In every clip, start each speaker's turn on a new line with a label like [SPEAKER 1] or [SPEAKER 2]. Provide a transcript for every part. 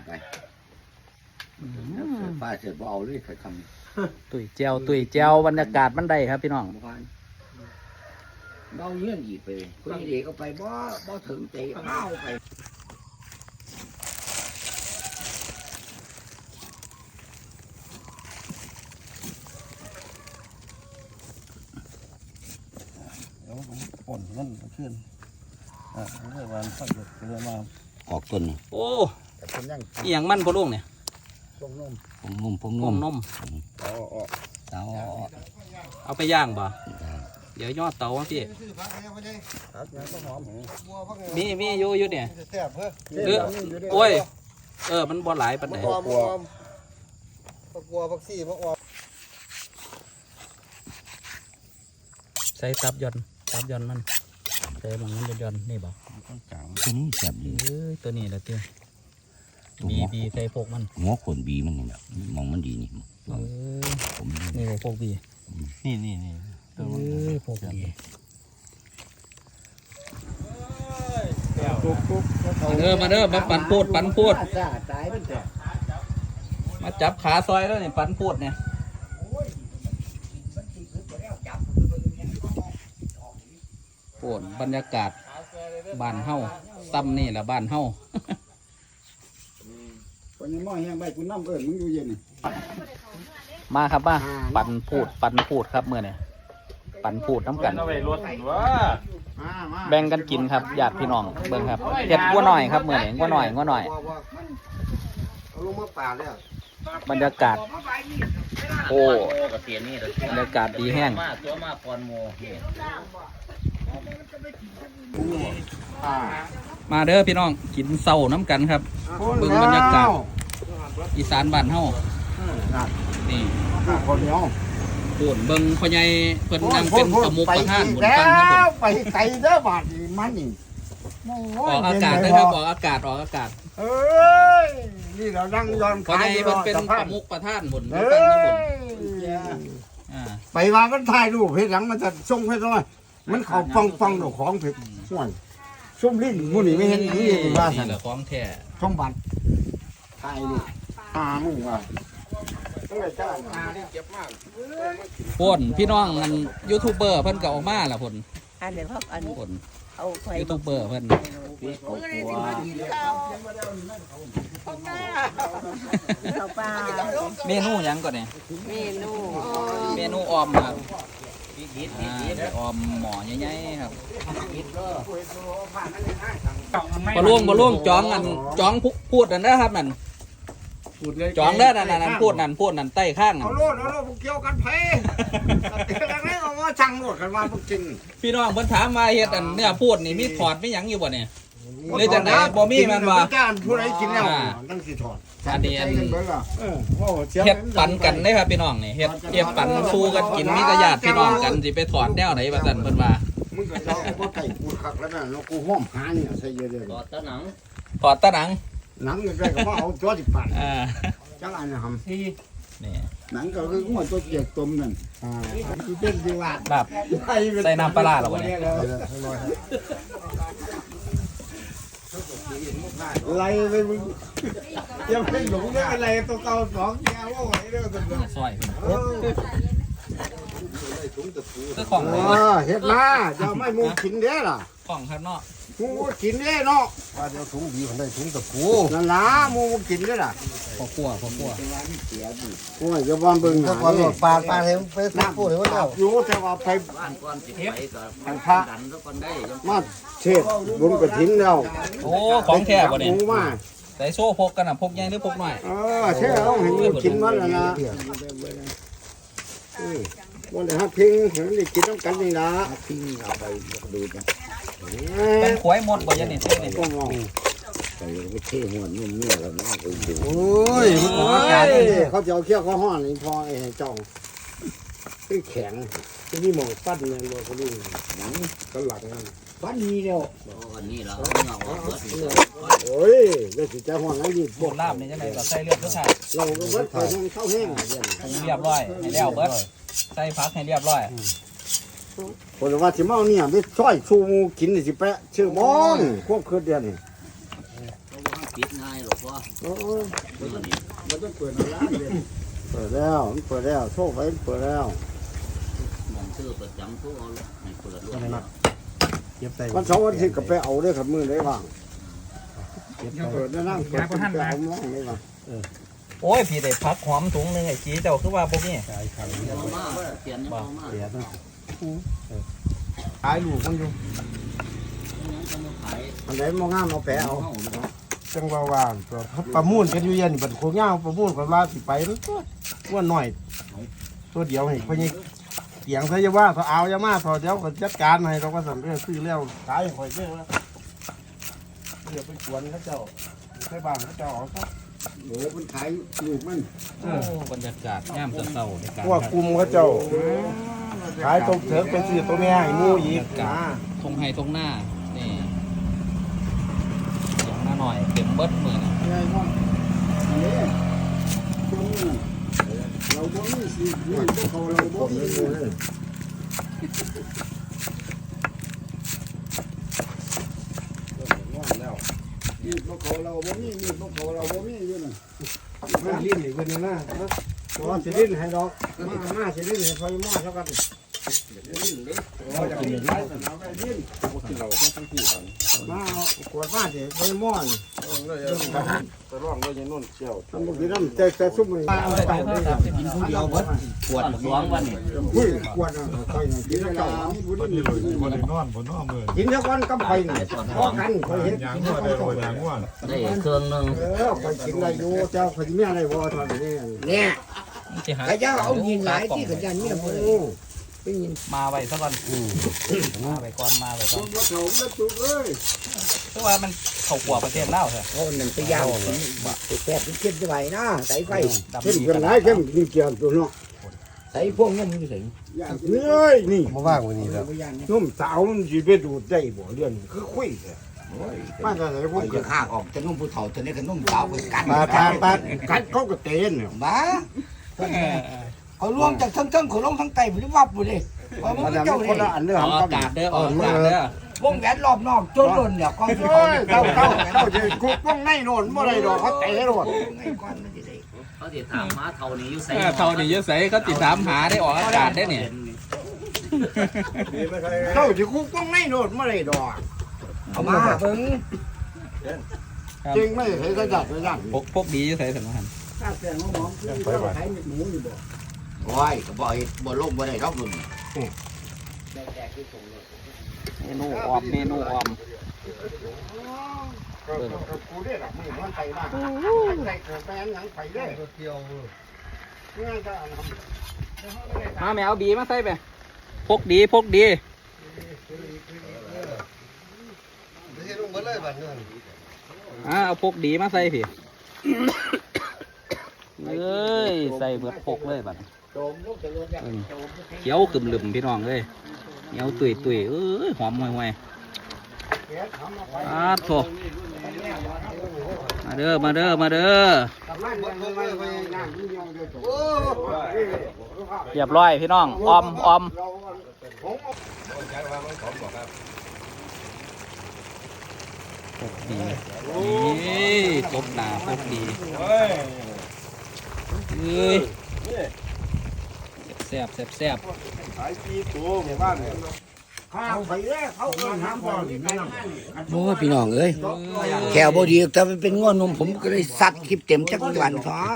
[SPEAKER 1] ไปป้าเสร็จเอาเลยเคยทำ
[SPEAKER 2] ตุ๋ยแจวบรรยากาศมันได้ครับพี่น้อง
[SPEAKER 1] เบาเงื่อนหยีไปคนเด็กก็ไปบ่ถึงเตะเมาไป
[SPEAKER 3] ป่นนั่นขึ้นเมื่อวานสักเดือนมา
[SPEAKER 1] ออกต้น
[SPEAKER 2] โอ้ยอย่างมันพอลุงเนี่ย
[SPEAKER 3] ผมนม
[SPEAKER 2] เอาไปย่างบ่เดี๋ยวยอดเตาพี่มีอยู่เนี่ยโอ้ยมันบ่หลายปันไหน
[SPEAKER 3] กลัวพักซี่มะออม
[SPEAKER 2] ใส่ตับยอนมันใส่บางนั้นยอนนี่บ่
[SPEAKER 1] ตัวนี้แสบดี
[SPEAKER 2] ตัวนี้แหละเตี้ยบีใส่พวกมัน
[SPEAKER 1] หัวขนบีมันนี่แหละมองมันดีนี่ผม
[SPEAKER 2] นี่พวกบี
[SPEAKER 3] นี่
[SPEAKER 2] พวกบีมาเด้อมาปั่นพูดมาจับขาซอยแล้วนี่ปั่นพูดเนี่ยปวดบรรยากาศบ้านเฮาซ้ำนี่แหละบ้านเฮา
[SPEAKER 3] คนยังมองยังใบคุณน้ำมึงอยู่เย็น
[SPEAKER 2] มาครับมาปั่นพูดครับเมื่อเนี่ยปั่นพูดน้ำกันแบ่งกันกินครับญาติพี่น้องเบิ่งครับเห็ดงัวหน่อยครับเมื่อเนี่ยงัวหน่อย
[SPEAKER 3] ลงมาป่าเลย
[SPEAKER 2] บรรยากาศโอ้บรรยากาศดีแห้งมาเด้อพี่น้องกินเศร้าน้ำกันครับเบิ่งบรรยากาศอีสานบ้านเฮานี่
[SPEAKER 3] คนเดียว
[SPEAKER 2] ปวดเบิ่งพ่อใหญ่เพิ่นนั่งเป็นสมุกประธานบนฟังครับผม
[SPEAKER 3] ไปไกลเด้อบาดมันนี่
[SPEAKER 2] ออกอากาศได้ครับออกอากาศ
[SPEAKER 3] เอ้ยนี่เรานั่งย้อน
[SPEAKER 2] พ่อใหญ่เพิ่นเป็นสมุกประธานบนฟังครับผม
[SPEAKER 3] ไปมามันถ่ายรูปเฮ็ดหลังมันจะส่งให้ด้วยมันเขาฟังดอกของเผ็ดห่วยส้มลิ้นมูนี่ไม่เห็นนี่ว่าสั่น
[SPEAKER 2] นี่แหละของแท้
[SPEAKER 3] ส้มบัตรถ่ายรูปมึงว่า
[SPEAKER 2] พ่นพี่น้องอันยูทูบเบอร์เพิ่นก็ออกมาล่ะพ่น
[SPEAKER 4] อันเดี๋ยวพวกอัน
[SPEAKER 2] พ่นยูทูบเบอร์เพิ่นเมนูหยังก่อนเนี่ยเมนูออมครับออมหม้อใหญ่ๆครับบ่ล่วงจ้องพูดนั่นนะครับนั่นจองได้นั่นพูดนั่นใต้ข้าง
[SPEAKER 3] เอาโลดเกี่ยวกันไผแล้วนี่เอาว่าสั่งโลดกันมาพวกจริง
[SPEAKER 2] พี่น้องเพิ่นถามมาเฮ็ดอันเนี่ยพูดนี่มีถอดมีหยังอยู่บ่เนี่ยเลยจังได๋บ่มีแม่นบ่
[SPEAKER 3] ผู้ใดกินแล้วตั้งสิถอด
[SPEAKER 2] อันนี้เฮ็ดปันกันเด้ครับพี่น้องนี่เฮ็ดปันสู้กันกินมีแต่ญาติพี่น้องกันสิไปถอดแนวไหนว่าซั่นเพิ่นว่า
[SPEAKER 3] มึงก็เอาบ่ไก่กูคักแล้วนะกูห้อมหาเนี่ยใส่เยอะๆ
[SPEAKER 2] ถอดตะหนัง
[SPEAKER 3] หนังใกล้ๆก็ว่าเอาตัวสิปั่นจังอันน่ะครับ
[SPEAKER 2] นี่
[SPEAKER 3] หนังก็คือหัวตัวเกียกต้มนั่นคือเป็นสิว่า
[SPEAKER 2] แบบใส่น้ำปลาหรอวะเนี่ย
[SPEAKER 3] ไล่ไปมึงยังเป็นหลงได้อะไรตัวเก่า2แก้วว่าไหวเด้อซั่น
[SPEAKER 2] ซอยคือของ
[SPEAKER 3] เฮ็ดมาจะไม่มูกินเด้ล่ะ
[SPEAKER 2] ของครับเนาะ
[SPEAKER 3] มูกินเด้เนาะว่าเดี๋ยวถุงบีมันได้ถุงตะปูนั่นล่ะมูกินเด้ล่ะ
[SPEAKER 2] พอคั่ว
[SPEAKER 3] โอ้ยจะบ้านเบิ่งหน้านี่
[SPEAKER 4] ปลาเห็นไปพูดเห็นว่า
[SPEAKER 3] อยู่แต่ว่าไปบ้านก่อนสิไปก็พระมาเทศบุญกฐินแล้ว
[SPEAKER 2] โอ้ของแท้บ่เนี่ยใส่โซ่พกกันน่ะพกใหญ่หรือพกน้อย
[SPEAKER 3] เท่เอาให้มูกินมันแล้วนะวันไหนฮักพิงเห็นได้กินต้องกันนี่นะพิงเอาไปดูกัน
[SPEAKER 2] เป็นขวยหมดบ่ยันนี่เท่นี่
[SPEAKER 3] ก็มอง
[SPEAKER 1] ไปเท่หัวนุ่มเนี่ยแล้วนะ
[SPEAKER 3] โอ้ยมันอากาศเขาจะเอาเขี้ยวเขาห่อนี่พอไอ้เจ้าคือแข็งที่นี่มองปั้นเนี่ยเราก็รู้หนังก็หลักนั่นปั้นนี้เดียว
[SPEAKER 1] อันนี้เรา
[SPEAKER 3] โอ้ยแล้วสิจะห่อนั่นดิ
[SPEAKER 2] บวกลาบนี่จังได๋ก็ใส่เลือดทุกท่า
[SPEAKER 3] เราก็เบิดไปเข้าแห้ง
[SPEAKER 2] เรียบร้อยให้แล้วเบิดใส่ผักให้เรียบร้อย
[SPEAKER 3] คนว่าสิเมาเนี่ยไปช่อยชูกินนี่สิแปะชื่อมอนควบคืนเดียวนี่
[SPEAKER 1] ปิดง่ายหรอกพ่อ
[SPEAKER 3] โอ้ย
[SPEAKER 1] มันต้องเปิดร้านเลย
[SPEAKER 3] เปิดแล้วมันเปิดแล้วโชคไว้เปิดแล้ว
[SPEAKER 1] มองซื้อเปิดจังทุกเอาให้เปิดด้วย
[SPEAKER 3] วันเสาร์วันอาทิตย์ก็ไปเอาได้ครับมือได้บ้างเปิดได้นั่งเปิดไปเอาล่องได้บ้าง
[SPEAKER 2] โอ้ยพี่ได้พักหอมถุงหนึงไอ้จีเจ้าคือว่าพวกนี้
[SPEAKER 1] เอามาเปลี่ยนยังเอามา
[SPEAKER 3] ขายลูกมันอยู่
[SPEAKER 1] ขาย
[SPEAKER 3] อันไหนมองงามเอาแปะเอา
[SPEAKER 1] เอาเนาะ
[SPEAKER 3] จังว่าว่างตัวประมูลกันอยู่เย็นบัดโคงย่างประมูลกันว่าสิไปแล้วก็ว่าหน่อยตัวเดียวให้พญิเสียงใส่ยาว่าถ้าเอายามาพอเดี๋ยวก็จัดการให้เราก็สั่งเรื่องซื้อแล้วขายหอยเยอะแล้วเดี๋ยวไปสวนเขาเจ้าไปบ้านเขาเจ้าเอาครับ
[SPEAKER 1] โอ้มันขายลูกมัน
[SPEAKER 2] โอ้บรรยากาศย่ามเช้าๆในการ
[SPEAKER 3] พวกกลุ่มเขาเจ้าขายตรงเถิงไปซื้อตัวแม่ให้หมูอีกนะ
[SPEAKER 2] ทงไฮทงหน้านี่ทงหน้าหน่อยเต็มเบิดมือนะ
[SPEAKER 1] เราบ่มีสินี่พวกเขาเราบ่มีนี่พวกเขาเราบ่มีนี่พวกเขาเราบ่มีอยู่น่ะ
[SPEAKER 3] มาลิ้นอีกคนนึงนะว่าสิลิ้นให้ดอกมาสิลิ้นให้พอยมาเท่ากันมาขวดมาสิพอยม่อนจะร้องด้วยยันนุ่นเชี่ยวทำบุญน้ำแต่ซุ่มมันเอาไป
[SPEAKER 1] กินผู้เดียวเบิดปวดสองวันนี่
[SPEAKER 3] คุยขวดอ่ะคอยกินแล้วเจ้ากินแล้วกันกับไข่เนี่ยพอกันคอยเห็นกินแล้วกันกับไข่
[SPEAKER 1] ได้เครื่องนึง
[SPEAKER 3] คอยกินอะไรอยู่เจ้าคอยมีอะไรบ่ทอนนี่เนี่ย
[SPEAKER 2] สิหา
[SPEAKER 4] ขยันเอายินหลายที่ขยันเนี่ยบ่ได้ไปยิน
[SPEAKER 2] มาไว้ซะก่อนมาไว้ก่อนมาไว้ก่อน
[SPEAKER 3] บ่เขาแล้วจุกเอ้ย
[SPEAKER 2] เพราะว่ามันเข้าขัวประเทศลาวเถอะ
[SPEAKER 4] เอานั่นไปย่างไปแซ่บเข้มจะไหวนะใส่ไฟ
[SPEAKER 3] เข้มกันหลายเข้มกินเกี่ยวตัวเนาะ
[SPEAKER 4] ใส่พวกนั้นอยู่ถึง
[SPEAKER 3] นี่เอ้ยนี่
[SPEAKER 4] บ่ว่างวันนี้แล้ว
[SPEAKER 3] นุ่มสาวมันสิไปดูดได้บ่เรื่องคือคุยมาจากไหนพวก
[SPEAKER 1] จะข้างออกจะนุ่มผู้เฒ่าจะนี่ก็นุ่มสาวกัน
[SPEAKER 3] ปากัดเขาก็เตนเนี่ย
[SPEAKER 4] บ้าเอารวมจากทั้งเขาลงทั้งไตบ่ได้วับบ่ได้ว่ามัน
[SPEAKER 3] มัน
[SPEAKER 4] เจ้า
[SPEAKER 3] คนละ
[SPEAKER 4] นี่
[SPEAKER 3] อันเด้อ
[SPEAKER 2] ออกอากาศเด้อออกอากาศเด้อ
[SPEAKER 4] วงแหวนรอบนอกจนล้นแล้วก็สิ
[SPEAKER 3] โอ้ยเจ้าจะคุกป้องในโน่นบ่ได้ดอกเขาเตะโน่น
[SPEAKER 4] ไงก่อนมันสิได้
[SPEAKER 1] เขาสิถามมาเท่านี้อยู่ใส่
[SPEAKER 2] เท่านี้เยอะใส่เขาติดถามหาได้ออกอากาศได้เนี่ย
[SPEAKER 3] เจ้าจะคุกป้องในโน่นบ่ได้ดอก
[SPEAKER 4] เอามาเบิ่ง
[SPEAKER 3] จริงไม่เห็นกระดับกระดับ
[SPEAKER 2] พวกดีอยู่ใส่สำคัญ
[SPEAKER 1] ถ้าแกงหอมคือเราขายหมูอยู่บ่โอ้ยก็บ่เฮ็ดบ่ลงบ่ได้ดอกนุ่น
[SPEAKER 2] เมนูออมเมนูออม
[SPEAKER 3] กูได้หลับมือมันไปบ้านใส่เกิดแปลงหยังไปได้เที่ยวง่ายก็
[SPEAKER 2] มาแมวบีมาใส่ไปพกดีพกดี
[SPEAKER 3] ไม่ใช่ลงมาเลยบ้านเนี่ย
[SPEAKER 2] เอาพกดีมาใส่พี่เอ้ยใส่เบิดพกเลยบัดเขียวกึ่มลืมพี่น้องเลยเหนียวตุยตุยเอ้ยหอมห่วยห่วยโถมาเด้อมาเด้อมาเด้อเรียบร้อยพี่น้องออมออมพกดีนี่ตบหนาพกดีเอ้ยแซ่บแซ่บแซ่บ
[SPEAKER 3] ขายปีตัวหมู่บ้านเนี่ยข้าวไปแล้วเขาเอิ้นน้ำบ่อนี่ไม่น้ำ
[SPEAKER 4] โอ้พี่น้องเอ้ยแขวบ่ดีแต่มันเป็นง้อนมผมก็เลยซัดคลิปเต็มจักวันซะ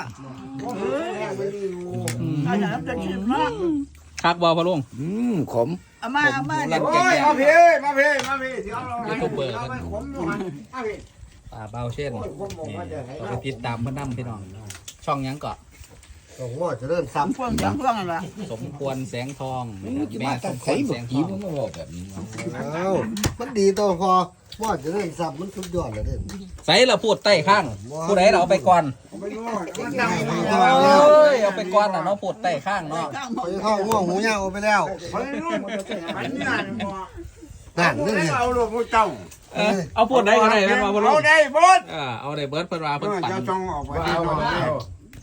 [SPEAKER 2] คักบอพะลุง
[SPEAKER 4] ขม
[SPEAKER 2] มามา
[SPEAKER 3] โอ้ยมาพี่มาพี่มาพี่เดี๋ยวเรา
[SPEAKER 2] ยูทูบเบอร์
[SPEAKER 3] ไปขมอยู่หันมาพี่
[SPEAKER 2] ป่าเบาเช่นนี่ไปติดตามเพื่อนนำพี่น้อง ช่องหยังเกาะ
[SPEAKER 3] โอ้โหจะเริ่มซ้ำ
[SPEAKER 4] พวกอย่างพวกนั่นล่ะ
[SPEAKER 2] สมควรแสงทองแม่
[SPEAKER 4] มา
[SPEAKER 2] ส
[SPEAKER 4] ตั้ง
[SPEAKER 2] มคว
[SPEAKER 4] ใส่
[SPEAKER 2] ร
[SPEAKER 4] บ่
[SPEAKER 2] แสงท
[SPEAKER 4] กี
[SPEAKER 2] อง
[SPEAKER 4] มันมาบอกแบบนี้
[SPEAKER 3] อ้าวมันดีตัวพอว่าจะเริ่มซ้ำมันสุดยอดเลยเด้อ
[SPEAKER 2] ใส่เราพูดใต้ข้าง ผู้ใดเราเอาไปก่อน
[SPEAKER 3] ไม่รู้
[SPEAKER 2] เอ้ยเอาไปก่อนน่ะเนาะพูดใต้ข้างเนาะ
[SPEAKER 3] ไปเข้าง่วงหูยาวไปแล้วไปนู่นไปนี่นั่นนี่เอาลูกผู้เจ้า
[SPEAKER 2] เอาพูดได้ก็ได้แม่นบ่พะลุง
[SPEAKER 3] เอาได้บด
[SPEAKER 2] เอาได้เบิร์ดเพิ่นว่าเพิ่นปั่น
[SPEAKER 3] เจ้าจงออกไปเอา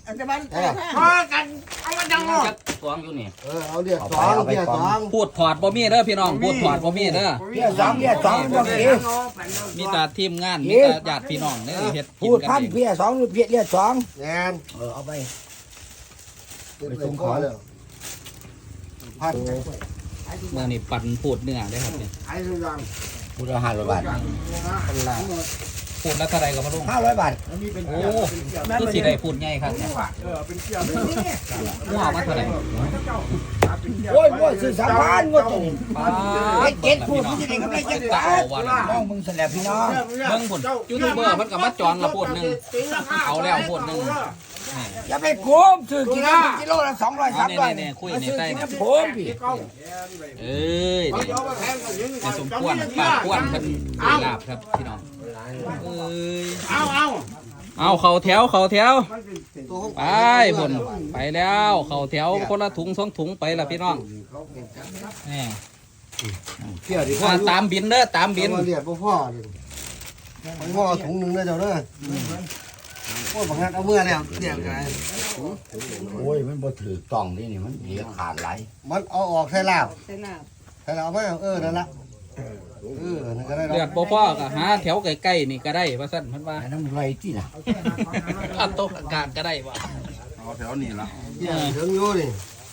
[SPEAKER 1] พอกันเอามาจัง
[SPEAKER 2] จักสองอยู่นี่
[SPEAKER 3] เอาเรียก2เรียก2
[SPEAKER 2] พูดถอดบ่มีเด้อพี่น้องพูดถอดบ่มีเด้อ
[SPEAKER 4] เพี้ยสองบ่เก๋
[SPEAKER 2] มีแต่ทีมงานมีแต่ญาติพี่น้องเนี่ยเฮ็ดกิ
[SPEAKER 4] พู
[SPEAKER 2] น
[SPEAKER 4] ด
[SPEAKER 2] กัน
[SPEAKER 4] พัน
[SPEAKER 2] เอง
[SPEAKER 4] เพี้ยสองหรือเพี้ยเรียกสอง
[SPEAKER 3] แงน
[SPEAKER 4] เอาไป
[SPEAKER 3] ไปส่งของเลยพัน
[SPEAKER 2] เมื่อนี่ปั่นพูดเนื้อได้ครับเนี่ย
[SPEAKER 3] ไอ้สุยัง
[SPEAKER 4] พูดละ500 บาท
[SPEAKER 2] พูดแล้วเท่าไรก็มาลง
[SPEAKER 4] 500 บาท
[SPEAKER 2] โอ้คือสิได้พูดง่ายครับเนี่ยหัวมาเท่าไร
[SPEAKER 4] โอ้ยซื้อ3,000งวดนี้
[SPEAKER 2] ป้า
[SPEAKER 4] ไอ้
[SPEAKER 2] ด
[SPEAKER 4] เจ็ดพูดมันจะได้กำไรจักบาทน้องมึงแสดงพี่น้อง
[SPEAKER 2] เบิ่งพุ่นยูทูบเบอร์มันก็มาจองละพูดหนึงเอาแล้วพูดหนึง
[SPEAKER 4] อย่าไปโกงซื้อกิโลละ200 300
[SPEAKER 2] เนี่ยคุยในใต้เนี่ย
[SPEAKER 4] ผมพี่
[SPEAKER 2] เอ้ยเนี่ยในสมควรปากควรเพิ่นลาบครับพี่น้องเอ้ยเอาเข่าแถวไปพุ่นไปแล้วเข่าแถวคนละถุง2ถุงไปละพี่น้องนี่
[SPEAKER 3] เกี่ยวดิพ่อ
[SPEAKER 2] ตามบินเด้อตามบิน
[SPEAKER 3] เรียกพ่อดิพ่อถุงนึงได้เจ้าเด้อพ่อบางงานเอาเมื่อแล้วเรียกไง
[SPEAKER 4] โอ้ยมันบ่ถือต้องนี่มันเหลือขาดไหล
[SPEAKER 3] มันเอาออกใส่ลาบใส่ลาบเอาไปนั่นละนั่นก็ได้
[SPEAKER 2] เลือดบ่พอก็หาแถวใกล้ๆนี่ก็ได้ว่าซั่นเพิ่นว่า
[SPEAKER 4] อันนั้นไรที่น่ะ
[SPEAKER 2] อันโตะกลางก็ได้ว่า
[SPEAKER 3] เอาแถวนี้ละถึงอยู่นี่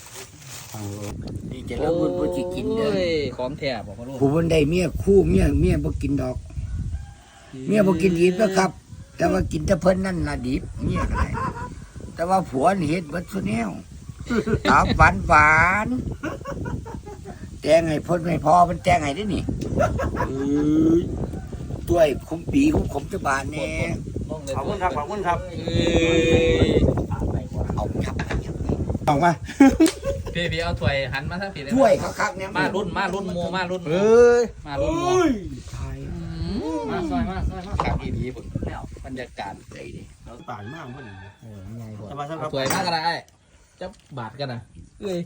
[SPEAKER 4] นี่จะเริ่มบ่สิกินเด้อ
[SPEAKER 2] โอ้ยของแท้บ่พ่อลูก
[SPEAKER 4] ผู้มันได้เมียคู่เมียบ่กินดอก เมียบ่กินดิบนะครับ แต่ว่ากินแต่เพิ่นนั่นล่ะดิบเมียก็ได้แต่ว่าผัวนี่เฮ็ดเบิดซุแนวตาหวานแต่งให้เพิ่นไม่พอเพิ่นแต่งให้ได้นี่ต้วยคุ้มปีคุ้มจะบานแน่
[SPEAKER 3] ขอบคุณครับ
[SPEAKER 2] เอ้ย
[SPEAKER 4] เอาครับ
[SPEAKER 3] ออกมา
[SPEAKER 2] พี่เอาถ้วยหันมาทางพี่ได้
[SPEAKER 4] ถ้วยคักๆเนี่ย
[SPEAKER 2] มารุ่นหมู่มารุ่นหมู่
[SPEAKER 3] เอ้ย
[SPEAKER 2] มารุ่นหมู่
[SPEAKER 1] มาซอยมา
[SPEAKER 2] ครับอีดีพุ่นแล้วบรรยากาศ
[SPEAKER 4] ใจดิ
[SPEAKER 3] เราต่างมากพอดี
[SPEAKER 4] ง่ายบ่
[SPEAKER 3] สบายสบา
[SPEAKER 2] เอา
[SPEAKER 3] ย
[SPEAKER 2] ถ้วยมากก็ได้จะบาดกันนะเอ้ย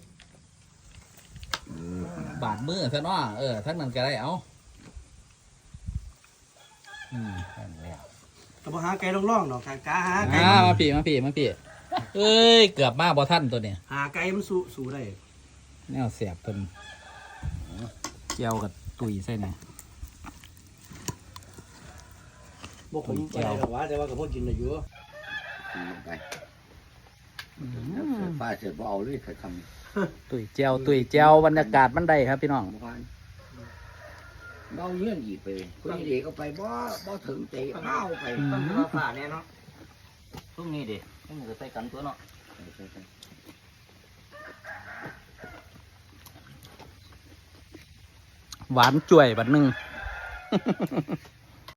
[SPEAKER 2] บาดมือซะเนาะทั้งนั้นก็ได้เอานั่นแล้ว
[SPEAKER 3] ก็บ่หาไก่ร่องๆดอกกาหาไก่
[SPEAKER 2] มาพี่เอ้ยเกือบมาบ่ทันตัวเนี่ย
[SPEAKER 3] หาไก่มันสู้ได้
[SPEAKER 2] แนวเสียบเพิ่นเจียวกับตุยใส่เนี่ย
[SPEAKER 3] บ่ผมบ่ได้หรอกว่าแต่ว่าก็พอกินได้อยู่
[SPEAKER 4] ไปป้าเสร็จบ่เอาเลยถ้าทำ
[SPEAKER 2] ตุยเจียวบรรยากาศมันได้ครับพี่น้อง
[SPEAKER 4] เบาเยื่อนอีกไปคนนี้เด็กก็ไปบ่ถึงใจเอาไป
[SPEAKER 2] ฝ่าเนี่ยเนาะช่วงนี้ดิช่วงนี้ก็ใส่กันตัวเนาะหวานจ่วยบัดหนึง